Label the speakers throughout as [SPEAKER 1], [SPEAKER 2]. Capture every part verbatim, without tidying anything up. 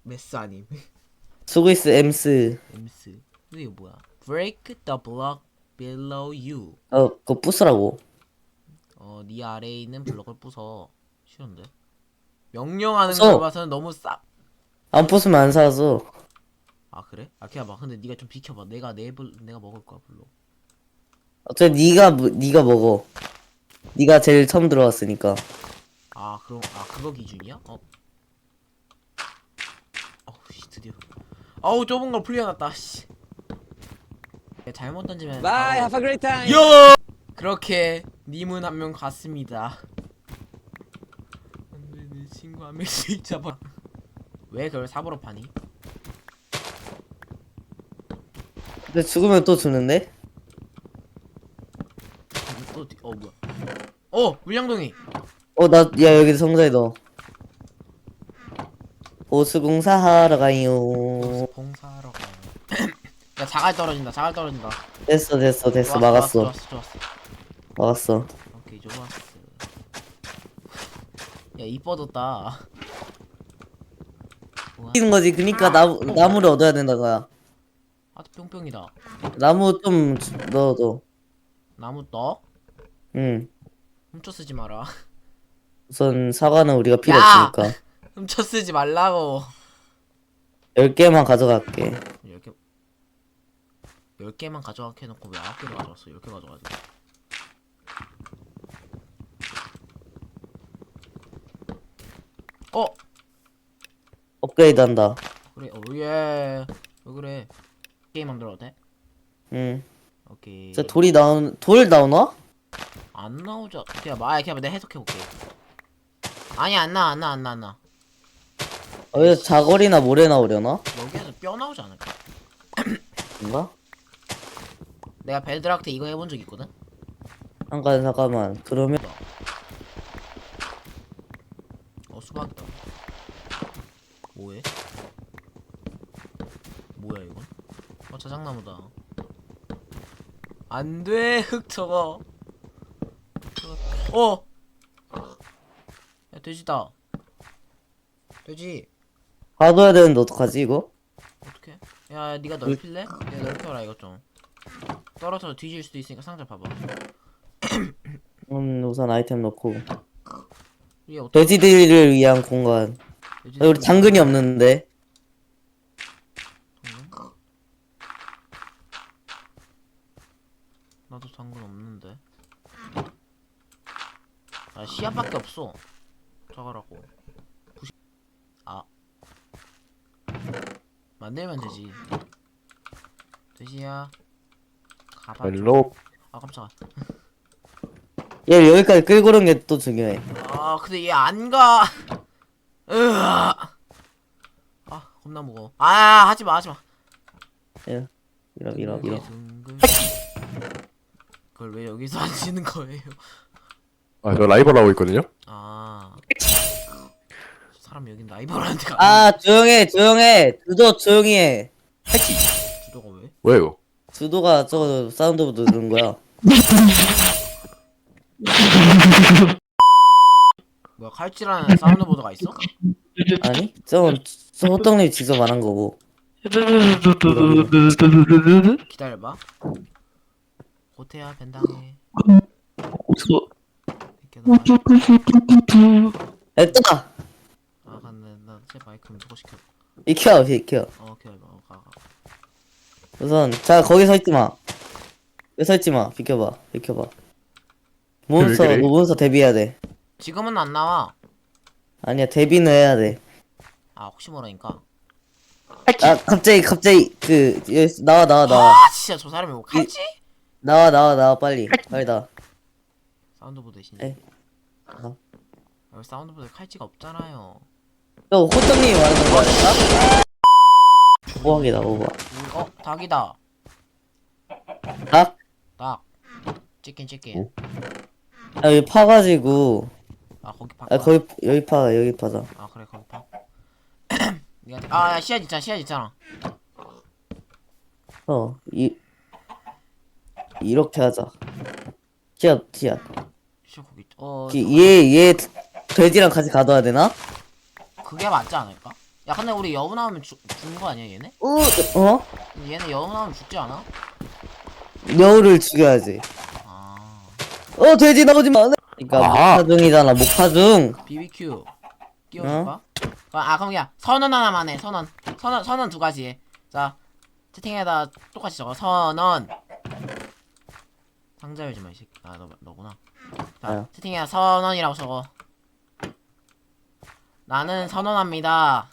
[SPEAKER 1] 메스 아님.
[SPEAKER 2] 스위스 엠스.
[SPEAKER 1] 엠스. 근데 이거 뭐야? Break the block below you.
[SPEAKER 2] 어, 그거 부수라고.
[SPEAKER 1] 어, 네 아래에 있는 블럭을 부숴. 싫은데? 명령하는 걸
[SPEAKER 2] 부숴.
[SPEAKER 1] 봐서는 너무 싹.
[SPEAKER 2] 안 부수면 안 사라져.
[SPEAKER 1] 아 그래? 아 그냥 봐. 근데 네가 좀 비켜봐. 내가 내 블, 내가 먹을 거야 블록.
[SPEAKER 2] 어차피 네가 무- 네가 먹어. 네가 제일 처음 들어왔으니까.
[SPEAKER 1] 아 그럼 아 그거 기준이야? 어? 어우 씨 드디어. 어우 좁은 걸 풀려놨다. 씨. 잘못 던지면.
[SPEAKER 3] Bye, have a great time.
[SPEAKER 1] 요! 그렇게 님은 한 명 갔습니다. 안돼 내 친구 한 명씩 잡아. 왜 그걸 삽으로 파니?
[SPEAKER 2] 근데 죽으면 또 주는데?
[SPEAKER 1] 또 어 뭐야? 어 물량동이.
[SPEAKER 2] 어, 나, 야, 여기 성자에 넣어. 보수공사 하러 가요.
[SPEAKER 1] 봉사하러 가요. 야 자갈 떨어진다. 자갈 떨어진다.
[SPEAKER 2] 됐어, 됐어, 됐어.
[SPEAKER 1] 좋았어,
[SPEAKER 2] 막았어.
[SPEAKER 1] 좋았어, 좋았어.
[SPEAKER 2] 막았어.
[SPEAKER 1] 오케이 좋았어. 야 이뻐졌다. 우와.
[SPEAKER 2] 뛰는 거지. 그니까 나무, 나무를 얻어야 된다, 거야.
[SPEAKER 1] 아또 뿅뿅이다.
[SPEAKER 2] 나무 좀 주- 넣어줘.
[SPEAKER 1] 나무 떠?
[SPEAKER 2] 응.
[SPEAKER 1] 훔쳐 쓰지 마라.
[SPEAKER 2] 우선 사과는 우리가 필요
[SPEAKER 1] 야!
[SPEAKER 2] 없으니까.
[SPEAKER 1] 훔쳐 쓰지 말라고.
[SPEAKER 2] 열 개만 가져갈게.
[SPEAKER 1] 열 개. 열 개만 가져가게 해놓고 왜 아홉 개를 가져왔어? 열 개 가져가지. 어
[SPEAKER 2] 업그레이드 한다.
[SPEAKER 1] 그래 오예. 왜 그래? 게임 만들어도 돼?
[SPEAKER 2] 응.
[SPEAKER 1] 오케이.
[SPEAKER 2] 저 돌이 나온, 돌 나오나?
[SPEAKER 1] 안 나오죠. 그냥 말 그냥 내가 해석해 볼게. 아니 안 나 안 나 안 나 안 나.
[SPEAKER 2] 어, 여기서 자거리나 모래 나오려나?
[SPEAKER 1] 여기에서 뼈 나오지 않을까?
[SPEAKER 2] 뭔가?
[SPEAKER 1] 내가 벨드락트 이거 해본 적 있거든.
[SPEAKER 2] 잠깐, 잠깐만. 그러면,
[SPEAKER 1] 어 수박이다. 뭐해? 뭐야 이건? 어 자작나무다. 안돼 흙 저거. 어. 야 돼지다. 돼지.
[SPEAKER 2] 가둬야 되는데 어떡하지, 이거?
[SPEAKER 1] 어떡해? 야 니가 넓힐래? 내가 넓혀라 이것 좀. 떨어져서 뒤질 수도 있으니까 상자 봐봐.
[SPEAKER 2] 음, 우선 아이템 넣고.
[SPEAKER 1] 얘 어떻게?
[SPEAKER 2] 돼지들을 위한 공간. 아, 우리 당근이 없는데.
[SPEAKER 1] 당근? 나도 당근 없는데. 아 씨앗밖에 없어. 저거라고. 부시... 아 만들면 되지. 돼지야. 가봐.
[SPEAKER 4] 헬로.
[SPEAKER 1] 아 깜짝아.
[SPEAKER 2] 얘 여기까지 끌고 오는 게 또 중요해.
[SPEAKER 1] 아 근데 얘 안 가. 으아. 아 겁나 무거워. 아 하지마 하지마.
[SPEAKER 2] 야, 밀어, 밀어, 밀어.
[SPEAKER 1] 둥글. 그걸 왜 여기서 하시는 거예요?
[SPEAKER 4] 아, 저 라이벌 하고 있거든요.
[SPEAKER 1] 아 사람 여긴 라이벌한테 가.
[SPEAKER 2] 아, 조용해, 조용해. 주도 조용히 해.
[SPEAKER 1] 주도가 왜?
[SPEAKER 4] 뭐야 이거?
[SPEAKER 2] 주도가 저거 사운드보드 누른 거야.
[SPEAKER 1] 뭐야 칼질하는 사운드보드가 있어?
[SPEAKER 2] 아니? 저건 저 호떡님 직접 말한 거고.
[SPEAKER 1] 기다려봐. 고태야 벤당해. 이렇게 나가.
[SPEAKER 2] 됐다!
[SPEAKER 1] 아 근데 나제 마이크 좀 소거시켜.
[SPEAKER 2] 비켜, 비켜.
[SPEAKER 1] 어 기다려봐. 어, 가 가.
[SPEAKER 2] 우선, 자, 거기 서 있지 마. 왜 서 있지 마. 비켜봐, 비켜봐. 몬스터,
[SPEAKER 4] 왜 그래?
[SPEAKER 2] 너 몬스터 데뷔해야 돼.
[SPEAKER 1] 지금은 안 나와.
[SPEAKER 2] 아니야, 데뷔는 해야 돼.
[SPEAKER 1] 아 혹시 모르니까.
[SPEAKER 2] 아, 갑자기, 갑자기, 그, 여기, 나와, 나와, 나와.
[SPEAKER 1] 아 진짜 저 사람이 뭐 칼지?
[SPEAKER 2] 나와, 나와, 나와, 빨리. 빨리 나와.
[SPEAKER 1] 사운드보드 대신.
[SPEAKER 2] 에. 어.
[SPEAKER 1] 여기 사운드보드 칼지가 없잖아요.
[SPEAKER 2] 저 호떡님이 말하는 거 아닐까? 오박이다, 오박.
[SPEAKER 1] 우- 어 닭이다.
[SPEAKER 2] 닭?
[SPEAKER 1] 닭. 치킨 치킨.
[SPEAKER 2] 아, 여기 파가지고.
[SPEAKER 1] 아 거기 파.
[SPEAKER 2] 아, 거기, 여기 파, 여기 파자.
[SPEAKER 1] 아 그래 거기 파. 니한테 아야 씨앗 있잖아 씨앗 있잖아.
[SPEAKER 2] 어, 이, 이렇게 하자. 씨앗, 씨앗.
[SPEAKER 1] 씨앗 거기 있- 어
[SPEAKER 2] 기- 얘, 얘, 돼지랑 같이 가둬야 되나?
[SPEAKER 1] 그게 맞지 않을까? 야 근데 우리 여우 나오면 죽, 죽는 거 아니야 얘네?
[SPEAKER 2] 어? 어?
[SPEAKER 1] 얘네 여우 나오면 죽지 않아?
[SPEAKER 2] 여우를 죽여야지.
[SPEAKER 1] 아
[SPEAKER 2] 어 돼지 나오지 마. 그러니까
[SPEAKER 4] 아.
[SPEAKER 2] 목파중이잖아 목파중.
[SPEAKER 1] 비비큐 끼워줄까? 아 그럼 그냥 선언 하나만 해 선언 선언 선언 두 가지 해. 자 채팅에다 똑같이 적어 선언. 상자 열지 마 이 새끼. 아 너 너구나. 자
[SPEAKER 2] 아유.
[SPEAKER 1] 채팅에다 선언이라고 적어. 나는 선언합니다.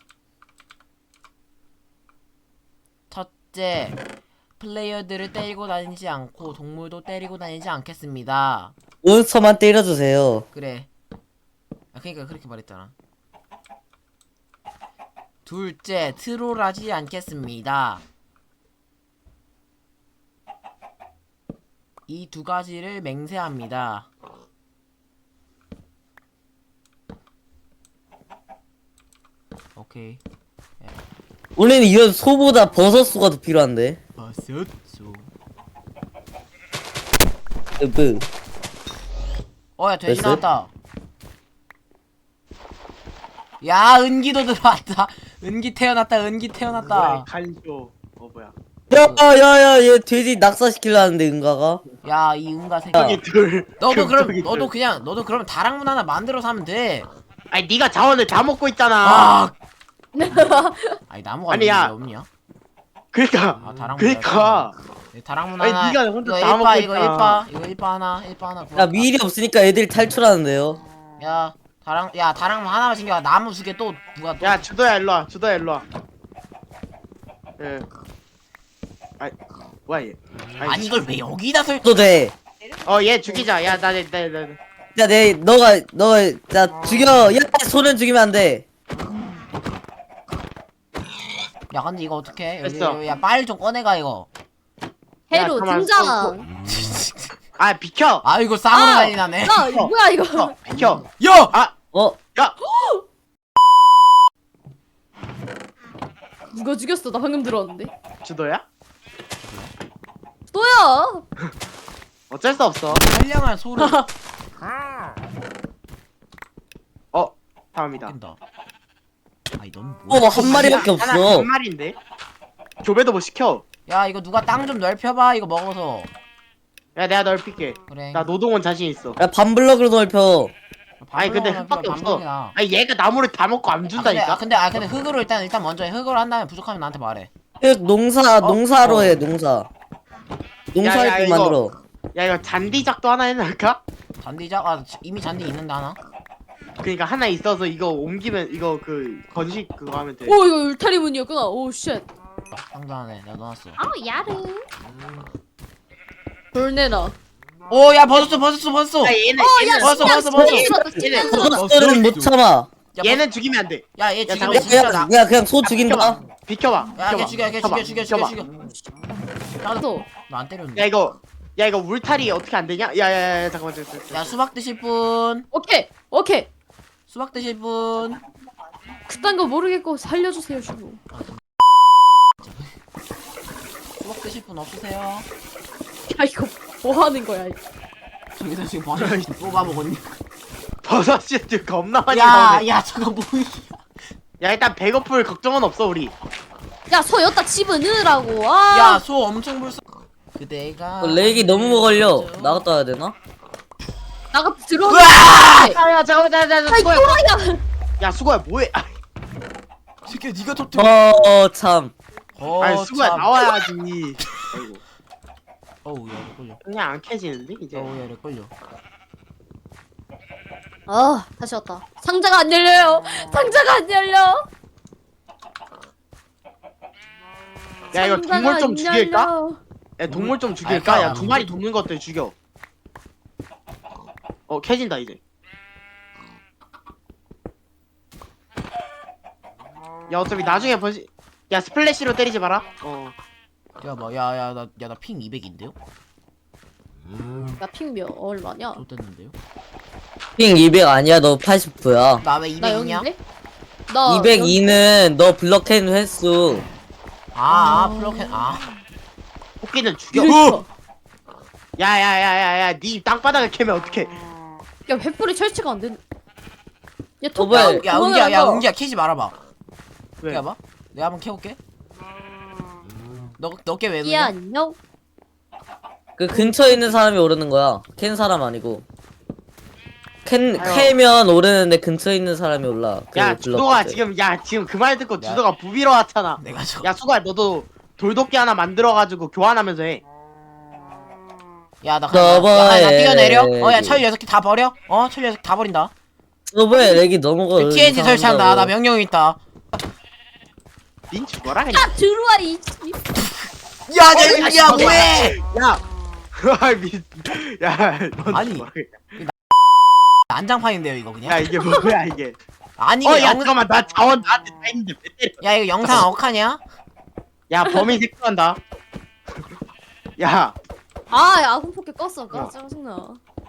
[SPEAKER 1] 첫째, 플레이어들을 때리고 다니지 않고 동물도 때리고 다니지 않겠습니다.
[SPEAKER 2] 몬스터만 때려주세요.
[SPEAKER 1] 그래. 아 그러니까 그렇게 말했잖아. 둘째, 트롤하지 않겠습니다. 이 두 가지를 맹세합니다. 오케이.
[SPEAKER 2] 우리는 이런 소보다 버섯 수가 더 필요한데.
[SPEAKER 1] 버섯소.
[SPEAKER 2] 으브.
[SPEAKER 1] 어야 돼지
[SPEAKER 2] 됐어요?
[SPEAKER 1] 나왔다. 야 은기도 들어왔다. 은기 태어났다. 은기
[SPEAKER 3] 뭐야
[SPEAKER 1] 태어났다.
[SPEAKER 3] 간쇼. 어 뭐야?
[SPEAKER 2] 야야야 얘 돼지 낙사시키려는데 은가가.
[SPEAKER 1] 야 이 은가 새끼.
[SPEAKER 3] 저기 둘.
[SPEAKER 1] 너도 그럼
[SPEAKER 3] 금쪽이
[SPEAKER 1] 너도
[SPEAKER 3] 둘.
[SPEAKER 1] 그냥 너도 그럼 다락문 하나 만들어서 하면 돼.
[SPEAKER 3] 아니 네가 자원을 다 먹고 있잖아.
[SPEAKER 1] 아. 아니 나무가
[SPEAKER 3] 아니,
[SPEAKER 1] 왜
[SPEAKER 3] 야.
[SPEAKER 1] 없냐?
[SPEAKER 3] 그러니까.
[SPEAKER 1] 아 다락문.
[SPEAKER 3] 그러니까.
[SPEAKER 1] 네, 다락문
[SPEAKER 3] 아니,
[SPEAKER 1] 하나.
[SPEAKER 3] 네가 혼자
[SPEAKER 1] 이거
[SPEAKER 3] 다
[SPEAKER 1] 일파
[SPEAKER 3] 먹고
[SPEAKER 1] 이거
[SPEAKER 3] 있잖아.
[SPEAKER 1] 일파 이거 일파 하나 일파 하나.
[SPEAKER 2] 야
[SPEAKER 1] 구워.
[SPEAKER 2] 미일이 없으니까 애들이 탈출하는데요.
[SPEAKER 1] 야 다락 야 다락문 하나만 챙겨. 나무 두 개 또 누가 또.
[SPEAKER 3] 야 주도야 일로 와. 주도야 일로 와. 예. 아이 뭐야 얘.
[SPEAKER 1] 아니 이걸 왜 여기다 설?
[SPEAKER 2] 또 돼.
[SPEAKER 3] 어얘 죽이자. 야나나나
[SPEAKER 2] 야, 내 너가 너가 자 죽여. 야, 소는 죽이면 안 돼.
[SPEAKER 1] 야 근데 이거 어떡해? 여기,
[SPEAKER 3] 됐어.
[SPEAKER 1] 여기, 야 빨리 좀 꺼내가 이거.
[SPEAKER 5] 해로
[SPEAKER 3] 가만
[SPEAKER 5] 등장.
[SPEAKER 3] 아 비켜.
[SPEAKER 1] 아 이거 쌍으로
[SPEAKER 5] 아!
[SPEAKER 1] 난리 나네.
[SPEAKER 5] 야 이거 뭐야 이거?
[SPEAKER 3] 어, 비켜.
[SPEAKER 1] 야!
[SPEAKER 3] 아
[SPEAKER 2] 어?
[SPEAKER 3] 야.
[SPEAKER 5] 누가 죽였어? 나 방금 들어왔는데.
[SPEAKER 3] 주도야?
[SPEAKER 5] 또야.
[SPEAKER 3] 어쩔 수 없어.
[SPEAKER 1] 선량한 소를
[SPEAKER 3] 어 다음이다.
[SPEAKER 1] 낀다. 아니 넌
[SPEAKER 2] 어,
[SPEAKER 1] 뭐야?
[SPEAKER 2] 한 마리밖에
[SPEAKER 3] 하나
[SPEAKER 2] 없어.
[SPEAKER 3] 한 마리인데. 교배도 못 시켜.
[SPEAKER 1] 야 이거 누가 땅 좀 넓혀봐 이거 먹어서.
[SPEAKER 3] 야 내가 넓힐게.
[SPEAKER 1] 그래.
[SPEAKER 3] 나 노동원 자신 있어.
[SPEAKER 2] 야, 반블럭으로 넓혀.
[SPEAKER 3] 아니 근데 흙밖에 없어. 아니 얘가 나무를 다 먹고 안
[SPEAKER 1] 아 근데
[SPEAKER 3] 준다니까.
[SPEAKER 1] 아 근데 아 근데 흙으로 일단 일단 먼저 해. 흙으로 한 다음에 부족하면 나한테 말해.
[SPEAKER 2] 그 농사
[SPEAKER 1] 어?
[SPEAKER 2] 농사로
[SPEAKER 1] 어.
[SPEAKER 2] 해 농사. 농사할
[SPEAKER 3] 야,
[SPEAKER 2] 때
[SPEAKER 3] 이거-
[SPEAKER 2] 만들어.
[SPEAKER 3] 야 이거 잔디작도 하나 해놓을까?
[SPEAKER 1] 잔디작 아 지- 이미 잔디 있는데 하나.
[SPEAKER 3] 그러니까 하나 있어서 이거 옮기면 이거 그 건식 그거 하면 돼.
[SPEAKER 5] 오 이거 울타리 문이었구나. 오 쉣.
[SPEAKER 1] 상자 안에 내가 넣어놨어.
[SPEAKER 5] 아 야르. 돌내놔.
[SPEAKER 1] 오야 벗었어 벗었어 벗었어.
[SPEAKER 3] 야 얘는
[SPEAKER 5] 야,
[SPEAKER 3] 얘는
[SPEAKER 1] 벗어 벗어
[SPEAKER 5] 신기한
[SPEAKER 1] 벗어.
[SPEAKER 5] 소리
[SPEAKER 3] 얘는
[SPEAKER 2] 버섯들은 못 참아.
[SPEAKER 3] 얘는 죽이면 안 돼.
[SPEAKER 1] 야얘
[SPEAKER 3] 야,
[SPEAKER 1] 죽이면
[SPEAKER 2] 야,
[SPEAKER 1] 진짜 나.
[SPEAKER 2] 그냥, 야 그냥 소 죽인다.
[SPEAKER 3] 비켜봐.
[SPEAKER 1] 야걔
[SPEAKER 3] 비켜봐.
[SPEAKER 1] 죽여 걔
[SPEAKER 3] 비켜봐.
[SPEAKER 1] 죽여 죽여 죽여
[SPEAKER 3] 비켜봐.
[SPEAKER 1] 죽여.
[SPEAKER 5] 또.
[SPEAKER 1] 나안 때렸는데.
[SPEAKER 3] 야 이거 야 이거 울타리 어떻게 안 되냐? 야야야 잠깐만 잠깐만. 잠깐만.
[SPEAKER 1] 야 수박 드실 분.
[SPEAKER 5] 오케이 오케이.
[SPEAKER 1] 수박 드실 분.
[SPEAKER 5] 그딴 거 모르겠고 살려주세요 주부.
[SPEAKER 1] 수박 드실 분 없으세요?
[SPEAKER 5] 야 이거 뭐 하는 거야? 이거.
[SPEAKER 1] 저기서 지금 버섯이 뽑아 먹었니?
[SPEAKER 3] 버섯이 겁나 많이 나오네.
[SPEAKER 1] 야야 저거 뭐야?
[SPEAKER 3] 야 일단 배고플 걱정은 없어 우리.
[SPEAKER 5] 야소 여기다 집어넣으라고. 아.
[SPEAKER 1] 야 소 엄청 불쌍. 그대가.
[SPEAKER 2] 어, 렉이 너무 걸려. 나갔다 와야 되나?
[SPEAKER 5] 나가 들어와.
[SPEAKER 1] 으아!
[SPEAKER 3] 야야 잠깐만 잠깐만
[SPEAKER 5] 아이
[SPEAKER 3] 수고야.
[SPEAKER 5] 또라이야.
[SPEAKER 3] 야 수고야 뭐해? 아,
[SPEAKER 1] 새끼야 네가 터뜨려.
[SPEAKER 2] 어 참.
[SPEAKER 1] 어,
[SPEAKER 3] 아니 수고야
[SPEAKER 1] 참.
[SPEAKER 3] 나와야지. 아이고
[SPEAKER 1] 어우 야렉 걸려.
[SPEAKER 3] 그냥 안 캐지는데 이제.
[SPEAKER 1] 어우 야렉 걸려.
[SPEAKER 5] 아 다시 왔다. 상자가 안 열려요. 상자가 안 열려.
[SPEAKER 3] 야 이거
[SPEAKER 5] 상자가
[SPEAKER 3] 동물 좀
[SPEAKER 5] 안
[SPEAKER 3] 죽일까?
[SPEAKER 5] 열려.
[SPEAKER 3] 야 동물 좀
[SPEAKER 1] 아,
[SPEAKER 3] 죽일까? 야
[SPEAKER 1] 아,
[SPEAKER 3] 두 마리 돕는 것들 죽여. 어 캐진다 이제. 야 어차피 나중에 번시. 야 스플래시로 때리지 마라. 어.
[SPEAKER 1] 야뭐야야 나 야 나 핑 이백인데요?
[SPEAKER 5] 나 핑몇 얼마냐?
[SPEAKER 1] 좋댔는데요?
[SPEAKER 2] 핑 이백 아니야. 너 팔십구야.
[SPEAKER 1] 나 왜
[SPEAKER 5] 나
[SPEAKER 1] 이백이냐?
[SPEAKER 5] 여기인데? 나
[SPEAKER 2] 이백이는 너 블럭 캔 횟수.
[SPEAKER 1] 아, 아 플러켓 아.
[SPEAKER 3] 토끼는 죽여.
[SPEAKER 5] 이랬어.
[SPEAKER 3] 야야야야야 니 땅바닥을 캐면 어떡해.
[SPEAKER 5] 야 횃불이 설치가 안 되는. 야
[SPEAKER 2] 어, 뭐야.
[SPEAKER 5] 토끼
[SPEAKER 1] 야 은기야 야 은기야 캐지 말아봐.
[SPEAKER 3] 왜?
[SPEAKER 1] 기다려봐. 내가 한번 캐볼게. 너 너게 왜
[SPEAKER 5] 이
[SPEAKER 1] 그냐?
[SPEAKER 5] 안녕.
[SPEAKER 2] 그 근처에 있는 사람이 오르는 거야. 캔 사람 아니고. 캔
[SPEAKER 3] 아유.
[SPEAKER 2] 캐면 오르는데 근처에 있는 사람이 올라. 그
[SPEAKER 3] 야
[SPEAKER 2] 블럭
[SPEAKER 3] 주도가
[SPEAKER 2] 끝에.
[SPEAKER 3] 지금 야 지금 그 말 듣고
[SPEAKER 1] 야.
[SPEAKER 3] 주도가 부비러 왔잖아.
[SPEAKER 1] 내가 저.
[SPEAKER 3] 야 수가 너도 돌도끼 하나 만들어가지고 교환하면서 해.
[SPEAKER 1] 야나 가. 야, 나, 나
[SPEAKER 2] 너버에-
[SPEAKER 1] 뛰어내려. 어야 철 여섯 개 다 버려. 어철 여섯 개 다 버린다.
[SPEAKER 2] 서버에 렉이 너무 걸.
[SPEAKER 1] 티엔지 설치한다. 나 명령이 있다.
[SPEAKER 3] 닌 죽어라 그냥.
[SPEAKER 5] 야 들어와 이. 이-
[SPEAKER 1] 야, 내, 야, 뭐해?
[SPEAKER 3] 야. 아, 미. 야, 넌
[SPEAKER 1] 아니.
[SPEAKER 3] 죽어라, 그냥.
[SPEAKER 1] 난장판인데요 이거 그냥?
[SPEAKER 3] 야 이게 뭐야 이게.
[SPEAKER 1] 아니
[SPEAKER 3] 어,
[SPEAKER 1] 이거
[SPEAKER 3] 야
[SPEAKER 1] 영.
[SPEAKER 3] 잠깐만 나 자원 나한테 다 있는데 왜 때려?
[SPEAKER 1] 야 이거 영상 억하냐?
[SPEAKER 3] 야 범인 색출한다. 야,
[SPEAKER 5] 아, 야, 아군 포켓 껐어.
[SPEAKER 3] 어.
[SPEAKER 5] 까 짜증나.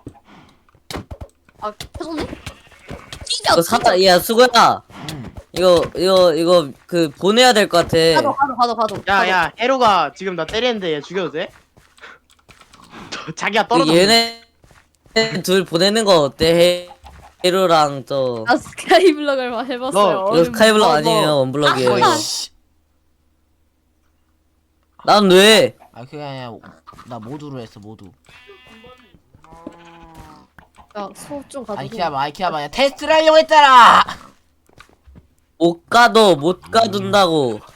[SPEAKER 5] 아, 켜졌네? 찢어.
[SPEAKER 2] 이거 사다. 야 수고야.
[SPEAKER 1] 음.
[SPEAKER 2] 이거 이거 이거 그 보내야 될 것 같아.
[SPEAKER 5] 가도 가도 가도 가도.
[SPEAKER 3] 야, 야, 헤로가 지금 나 때리는데 얘 죽여도 돼? 자기가 떨어져.
[SPEAKER 2] 그 얘네 둘 보내는 거 어때? 헤로랑 저.
[SPEAKER 5] 아 스카이블럭을 마- 해봤어요.
[SPEAKER 2] 이거 스카이블럭
[SPEAKER 3] 너, 너.
[SPEAKER 2] 아니에요 원블럭이에요.
[SPEAKER 1] 어,
[SPEAKER 5] 아,
[SPEAKER 1] 씨.
[SPEAKER 2] 난 왜?
[SPEAKER 1] 아 그게 아니라 나 모두로 했어 모두.
[SPEAKER 5] 야소좀 가도.
[SPEAKER 1] 아이 키야봐 아이 키야봐 야 테스트를 하려고 했잖아.
[SPEAKER 2] 못 가도 못 가둔다고.